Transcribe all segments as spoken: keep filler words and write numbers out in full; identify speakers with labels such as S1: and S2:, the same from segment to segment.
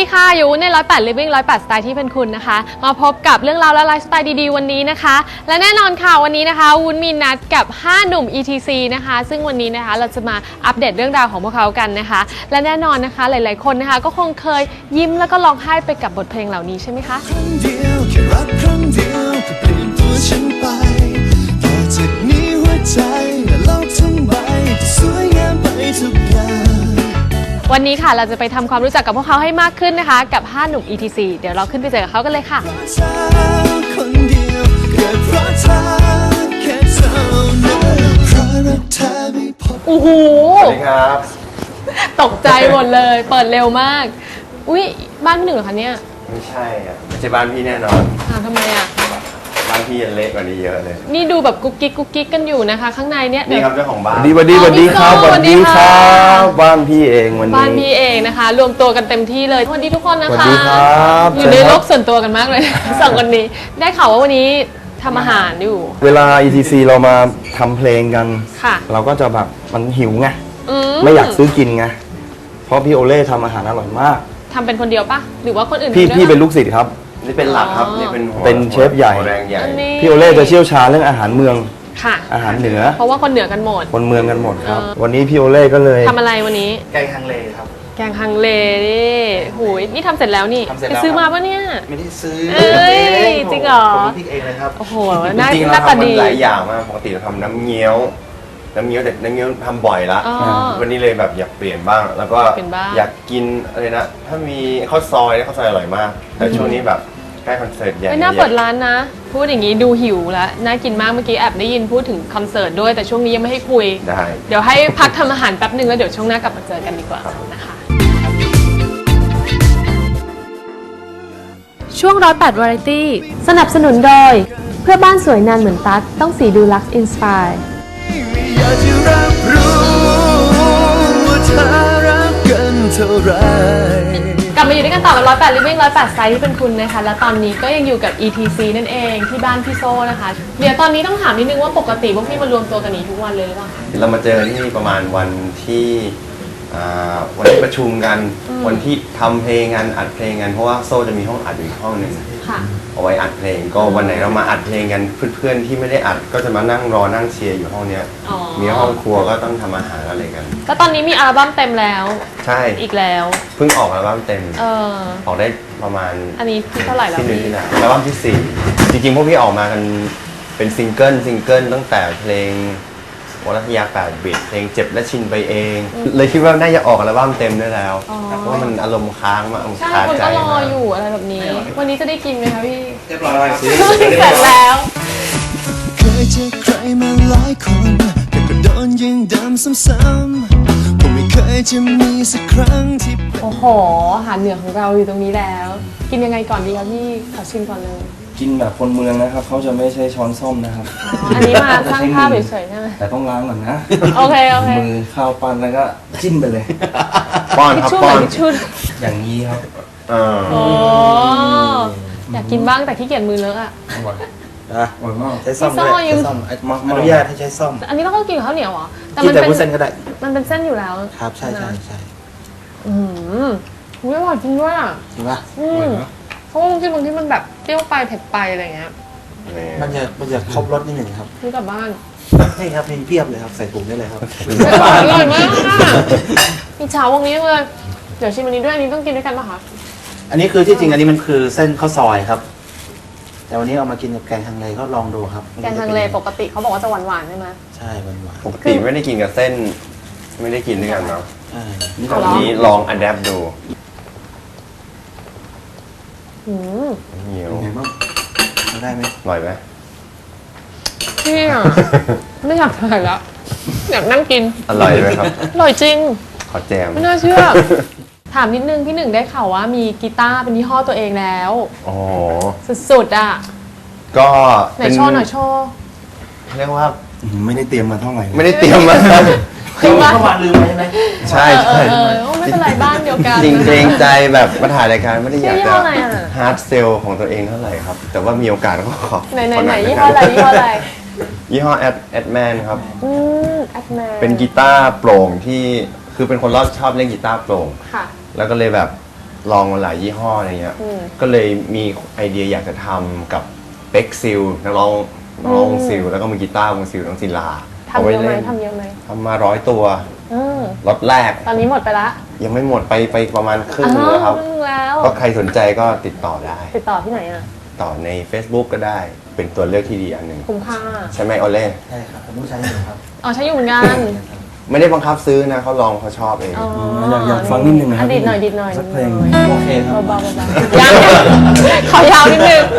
S1: ค่ะอยู่ในร้อยแปด Living ร้อยแปดสไตล์ที่เป็นคุณนะคะมาพบกับเรื่องราวและไลฟ์สไตล์ดีๆวันนี้นะคะและแน่นอนค่ะวันนี้นะคะวุ้นมีนัดกับห้าหนุ่ม อี ที ซี นะคะซึ่งวันนี้นะคะเราจะมาอัปเดตเรื่องราวของพวกเขากันนะคะและแน่นอนนะคะหลายๆคนนะคะก็คงเคยยิ้มแล้วก็ร้องไห้ไปกับบทเพลงเหล่านี้ใช่ไหมคะ
S2: ครั้งเดียวแค่รักครั้งเดียวก็เปลี่ยนตัวฉันไปต่อจากนี้หัวใจและโลกทั้งใบจะสวยงามไปทุกอย่าง
S1: วันนี้ค่ะเราจะไปทำความรู้จักกับพวกเขาให้มากขึ้นนะคะกับห้าหนุ่ม อี ที ซี เดี๋ยวเราขึ้นไปเจอกับเขากันเลยค่ะ
S2: คนเดียวเกิดเพราะเธอแค่เท่านั้นเพราะรักเธอไม่พอ
S1: โอ้โห
S3: สวัสดีครับ
S1: ตกใจหมดเลยเปิดเร็วมากอุ้ยบ้านพี่หนึ่งเหรอคะเนี่ย
S3: ไม่ใช่อ่ะไม่ใช่บ้านพี่แน่นอน
S1: อ้าวทำไมอ่ะ
S3: บ้านพี่ยังเล็กกว่านี้เยอะเลย
S1: นี่ดูแบบกุ๊กกิ๊กกุ๊กกิ๊กกันอยู่นะคะข้างในเนี่ย
S3: นี่ครับเจ้าของบ้าน
S4: สวัสดีสวัสดีครับสวัสดีครับบ้านพี่เองวันนี้
S1: บ้านพี่เองนะคะรวมตัวกันเต็มที่เลยสวัสดีทุกคนนะคะ
S4: สวัสดีครับ
S1: อยู่ในโลกส่วนตัวกันมากเลยสองคนนี้ได้ข่าวว่าวันนี้ทำอาหารอยู่
S4: เวลา อี ที ซี เรามาทำเพลงกัน
S1: ค่ะ
S4: เราก็จะแบบมันหิวไงไม่อยากซื้อกินไงเพราะพี่โอเล่ทำอาหารอร่อยมาก
S1: ทำเป็นคนเดียวปะหรือว่าคนอื่น
S4: พี่พี่เป็นลูกศิษย์ครับ
S3: นี่เป็นหลักครับนี่เป็น
S4: เป็นเชฟใหญ่
S3: แรงใหญ่
S4: พี่โอเล่จะเชี่ยวชาญเรื่องอาหารเมือง
S1: ค่ะ
S4: อาหารเหนือ
S1: เพราะว่าคนเหนือกันหมด
S4: คนเมืองกันหมดครับวันนี้พี่โอเล่ก็เลย
S1: ทำอะไรวันนี้
S3: แกงฮังเลครับ
S1: แกงฮังเลนี่หูยนี่ทำเสร็จแล้วนี่ไปซื้อมาปะเนี่ย
S3: ไม่ได้ซื้อ
S1: เอ้ยจริงเหรอ
S3: ผมพริกเองเลยครับ
S1: โอ้โหน่า
S3: จริงๆ
S1: น่า
S3: เรา
S1: ตา
S3: ทำมั
S1: ดี
S3: นหลายอย่างมากปกติเราทำน้ำเงี้ยวน้ำเงี้ยวแต่น้ำเงี้ยวทำบ่อยละวันนี้เลยแบบอยากเปลี่ยนบ้างแล้วก็อยากกินอะไรนะถ้ามีข้าวซอยข้าวซอยอร่อยมากแต่ช่วงนี้แบบใกล้คอนเสิร์ตใหญ่
S1: ไม่น่าเปิดร้านนะพูดอย่างนี้ดูหิวแล้วน่ากินมากเมื่อกี้แอบได้ยินพูดถึงคอนเสิร์ตด้วยแต่ช่วงนี้ยังไม่ให้คุย
S3: ได้
S1: เดี๋ยวให้พักทำอาหารแป๊บนึงแล้วเดี๋ยวช่วงหน้ากลับมาเจอกันดีกว่านะคะช่วงร้อยแปดวาไรตี้สนับสนุนโดยเพื่อบ้านสวยนานเหมือนตั๊กต้องสีดูลักซ์อินสปาย
S2: อยากจะรับรู้ว่าเธอรักกันเท่าไร
S1: กลับมาอยู่ด้วยกันต่อกับร้อยแปด Living ร้อยแปดสไตล์ที่เป็นคุณนะคะและตอนนี้ก็ยังอยู่กับ อี ที ซี นั่นเองที่บ้านพี่โซ่นะคะเดี๋ยวตอนนี้ต้องถามนิดนึงว่าปกติพวกพี่มารวมตัวกันนี้ทุกวันเลยหรือเปล่าคะ
S3: เรามาเจอที่นี่ประมาณวันที่วันที่ประชุมกันวันที่ทำเพลงกันอัดเพลงกันเพราะว่าโซ่จะมีห้องอัดอยู่อีกห้องหนึ่งเอาไว้อัดเพลงก็วันไหนเรามาอัดเพลงกันเพื่อนๆที่ไม่ได้อัดก็จะมานั่งรอนั่งเชียร์อยู่ห้องนี้มีห้องครัวก็ต้องทำอาหารอะไรกัน
S1: ก็ตอนนี้มีอัลบั้มเต็มแล้ว
S3: ใช่
S1: อีกแล้ว
S3: เพิ่งออกอัลบั้มเต็ม
S1: เออ
S3: ออกได้ประมาณ
S1: อันนี้ที่เท่าไหร่แล้ว
S3: ที่หนึ่งที่ไหนอัลบั้มที่สี่จริงๆพวกพี่ออกมากันเป็นซิงเกิลซิงเกิลตั้งแต่เพลงวรัตยาแปดบิตเพลงเจ็บและชินไปเองเลยคิดว่าน่าจะออกอัลบั้มเต็มได้แล้วเพราะว่ามันอารมณ์ค้างมาก
S1: ใช่คนก็รออยู่อะไรแบบนี้วันนี้จะได้กินไหมคะพี่
S3: เรียบร้อยสิ
S1: เสร็จแล้ว
S2: เคยเจอใครมาหลายคนแต่ก็โดนยิงดำซ้ำๆผมไม่เคยจะมีสักครั้งที่
S1: โอ้โหอาหารเหนือของเราอยู่ตรงนี้แล้วกินยังไงก่อนดีครับพี่ขอชิมก่อนเลย
S4: กินแบบคนเมืองนะครับเขาจะไม่ใช้ช้อนส้มนะครับ
S1: อันนี้มาสร้างภาพเฉยๆใช่ไหม
S4: แต่ต้องล้างก่อนนะ
S1: โอเคโอเค
S4: มือข้าวปั้นแล้วก็จิ้มไปเลย
S3: ป้อนครับป้อน
S4: อย่างนี้ครับ
S1: โอ้อยากกินบ้างแต่ขี้เกียจมือเลอะอ่ะ
S4: นะอร่อยมาก
S1: ใช้ส้มด้วยใช้ส้ม
S4: อนุญาตให้ใช้ส้ม
S1: อันนี้ต้องกินกับข้าวเหนียวเหรอ
S4: แต่มันเป็นเส้นก็ได้
S1: มันเป็นเส้นอยู่แล้ว
S4: ครับใช่ใช่ใช่
S1: อืมไม่อร่อยจริงด้วยอ่ะ
S4: จริงป่ะ
S1: เพราะว่าบางทีบางทีมันแบบเปรี้ยวไปเผ็ดไปอะไรเงี้ย
S4: มันจะมันจะครบรสนิดหนึ่งครับ
S1: ซื้อกลับบ้าน
S4: ใช่ครับมีเพียบเลยครับใส่ถุงได้เลยครับ
S1: อร่อยมากมีเช้าวงนี้เลยเดี๋ยวชิมอันนี้ด้วยอันนี้ต้องกินด้วยกันป่ะคะ
S4: อันนี้คือที่จริงอันนี้มันคือเส้นข้าวซอยครับแต่วันนี้เอามากินกับแกงฮังเลก็ลองดูครับ
S1: แกงฮังเลปกติเขาบอกว่าจะหวานๆใช่ไหม
S4: ใช่หวาน
S3: ๆปกติไม่ได้กินกับเส้นไม่ได้กินด้วยกันเนาะ
S4: นี่
S3: ตอนนี้ลองอัดแอปดู
S1: เหนียว
S4: ได้ไหม
S3: อร่อยไหม
S1: พี่อ่ะไม่อยากถ่ายแล้วอยากนั่งกิน
S3: อร่อยไหมครับ
S1: อร่อยจริง
S3: ขอแจม
S1: ไม่น่าเชื่อถามนิดนึงพี่หนึ่งได้ข่าวว่ามีกีตาร์เป็นยี่ห้อตัวเองแล้ว
S3: อ๋อ
S1: สุดๆอ่ะ
S3: ก็
S1: ไหนโชว์หน่อยโชว์
S3: เรียกว่า
S4: ไม่ได้เตรียมมาเท่าไหร่
S3: ไม่ได้เตรียมมา
S4: คือเมื่อวานลืมไปใช่ไหม
S3: ใช่ใช่
S1: ไม่เป็นไรบ้านเดียวกัน
S3: จริงเกรงใจแบบมาถ่ายรายการไม่ได้อยากจะฮาร์ดเซลของตัวเองเท่าไหร่ครับแต่ว่ามีโอกาสก็ขอ
S1: ไหนไหนไหนยี่ห้ออะไรยี่ห้ออะไร
S3: ยี่ห้อแอดแอดแมนครับ
S1: อืมแอดแมน
S3: เป็นกีตาร์โปร่งที่คือเป็นคนรอบชอบเล่นกีตาร์โปร่งแล้วก็เลยแบบลองมาหลายยี่ห้ออะไรเงี้ย
S1: อืม
S3: ก็เลยมีไอเดียอยากจะทำกับเป็กซิลนักร้องนักร้องวงซิลแล้วก็มือกีตาร์วงซิลน้องศิลา
S1: ทำเยอะไหมทำเยอะไหม
S3: ทำมาร้อยตัว
S1: อืม
S3: ล็อตแรก
S1: ตอนนี้หมดไปละ
S3: ยังไม่หมดไปไปประมาณครึ่งนึงแล้วครับ
S1: อ้าวครึ่งแล้ว
S3: ก็ใครสนใจก็ติดต่อได้
S1: ติดต่อที่ไหนอ่ะ
S3: ต่อใน Facebook ก็ได้เป็นตัวเลือกที่ดีอันหนึ่ง
S1: คุ้มค่า
S3: ใช่ไหมโอเล่
S4: ใช่ครับผมต้องใช้อยู่ครับ
S1: อ๋อใช้อยู่เหมือนกัน
S3: ไม่ได้บังคับซื้อนะเขาลองเขาชอบเอง
S1: อ๋อ
S5: อยากอยากฟังนิดนึงนะครับ
S1: อ่ะดีดหน่อยดีดหน่อย
S5: สักเพลง
S1: ดีดหน่อย
S4: โอเคครับ
S1: เบาๆเบาๆยังขอยาวนิดนึง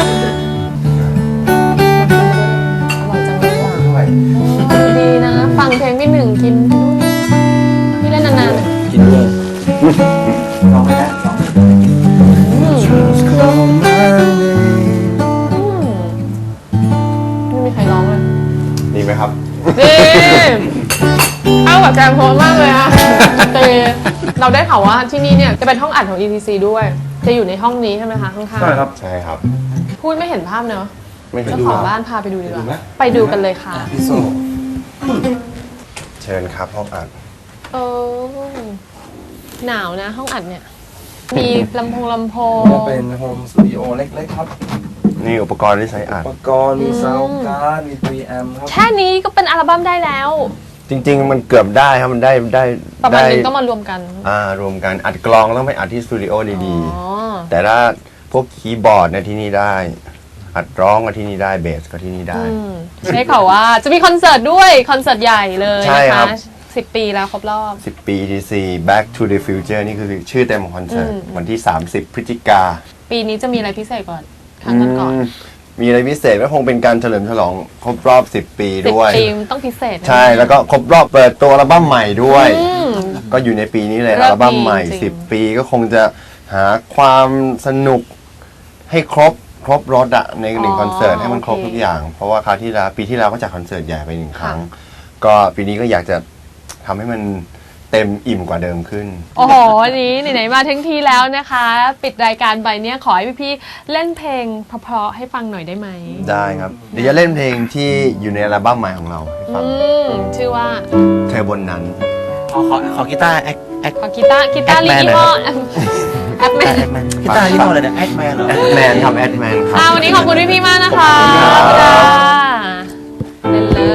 S1: อร่อยจังเลยอ่ะ
S4: ด้วย
S1: ดีนะ ฟังเพลงพี่หนึ่งกินพี่เล่นนานๆอ่ะ
S5: กินด้วย
S4: ลองไปแล้วลองไป
S1: อืม
S5: Call my name
S1: อืมไม่มีใครร้องเลย
S3: ดีไหมครับ
S1: ดีเข้ากับแกมโพสมากเลยอะเตเราได้ข่าวว่าที่นี่เนี่ยจะเป็นห้องอัดของ อี ที ซี ด้วย จะอยู่ในห้องนี้ใช่ไหมคะข้างๆ
S5: ใช่ครับ
S3: ใช่ครับ
S1: พูดไม่เห็นภาพเนอะ
S3: ไม่เห็น
S1: เจ้า
S3: ดู
S1: ของ
S3: ครับ
S1: บ้านพาไปดูดีก
S5: ไปดูไหม
S1: ว่า ไปดูกันเลยค่ะ
S5: พี่โซ่
S3: เชิญครับห้องอัด
S1: เออหนาวนะห้องอัดเนี่ย มีลำโพงลำโพง
S5: นี่เป็นโฮมสตูดิโอเล็กๆครับ
S3: นี่อุปกรณ์ที่ใช้อัด
S5: อุปกรณ์มีซาวด์การ์ดมี พรี แอมป์ครับ
S1: แค่นี้ก็เป็นอัลบั้มได้แล้ว
S3: จริง ๆ มันเกือบได้ครับมันได้ได้
S1: ประมาณ
S3: ได้
S1: นึงต้องมารวมกัน
S3: อ่ารวมกันอัดกลองต้องไปอัดที่สตูดิโอดี
S1: อ๋อ
S3: ๆ แต่ถ้าพวกคีย์บอร์ดเนี่ยที่นี่ได้ อัดร้องก็ที่นี่ได้เบสก็ที่นี่ได้
S1: อืมใช่ข่าวว่าจะมีคอนเสิร์ตด้วยคอนเสิร์ตใหญ่เลย
S3: ใช่
S1: นะ
S3: ครั
S1: คะ
S3: บ
S1: สิบปีแล้วครบรอบ
S3: สิบ ปี อี ที ซี Back to the Future นี่คือชื่อเต็มของคอนเสิร์ต
S1: อืม
S3: วันที่ สามสิบ พฤศจิกา
S1: ปีนี้จะมีอะไรพิเศษก่อนครั้งก่อน
S3: อืมมีอะไรพิเศษก็คงเป็นการเฉลิมฉลองครบรอบ สิบ ปี
S1: ๆสิบ
S3: ด้วย
S1: ปีมันต้องพิเศษนะ
S3: ใช่แล้วก็ครบรอบเปิดตัวอัลบั้มใหม่ด้วย
S1: อืม
S3: ก็อยู่ในปีนี้เลย
S1: เลิกดี
S3: อัลบั้มใหม่
S1: จริง
S3: สิบ ปีก็คงจะหาความสนุกให้ครบครบรถอะในหนึ่งคอนเสิร์ตให้มันครบทุกอย่าง เพราะว่าคราวที่แล้วปีที่แล้วก็จัดคอนเสิร์ตใหญ่ไปหนึ่งครั้ง ก็ปีนี้ก็อยากจะทำให้มันเต็มอิ่มกว่าเดิมขึ้น
S1: โอ้โหวันนี้ไหนๆมาทั้งทีแล้วนะคะ ปิดรายการไปเนี่ยขอให้พี่ๆเล่นเพลงเพราะๆให้ฟังหน่อยได้ไหม
S3: ได้ครับ เดี๋ยวจะเล่นเพลงที่อยู่ในอัลบั้มใหม่ของเราให้ฟัง
S1: อืมชื่อว่า
S3: เธอบนนั้น
S4: ขอขอขอกีตาร์แอคแอค
S1: ขอกีตาร์กีตาร์ลี
S4: Ackman
S1: ยี่ห้อแอปแมน
S4: แอคแมนกีตาร์ยี่ห้ออะไรเนี่ยแอคแมนเหรอ
S3: แอดแมนครับแอดแมนครั
S1: อ่า
S3: บ
S1: วันนี้ขอบคุณพี่ๆมากนะคะ
S3: ขอบคุณครับ
S1: เล่นเลย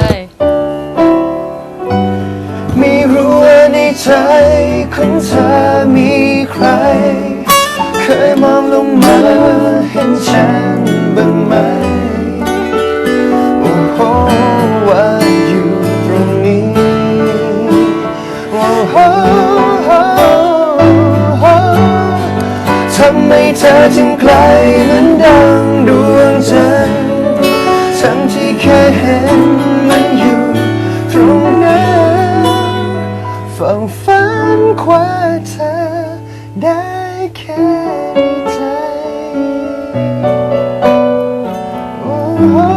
S2: ไม่รู้ว่าในใจของเธอมีใคร เคยมองลงมาเห็นฉันบ้างไหม โอ้โหว่าอยู่ตรงนี้โอ้โหทำไมเธอจึงไกลเหมือนดังดวงจันทร์ทั้งที่แค่เห็นมันอยู่ตรงนั้นฝันฝันคว้าเธอได้แค่ในใจโอ้โห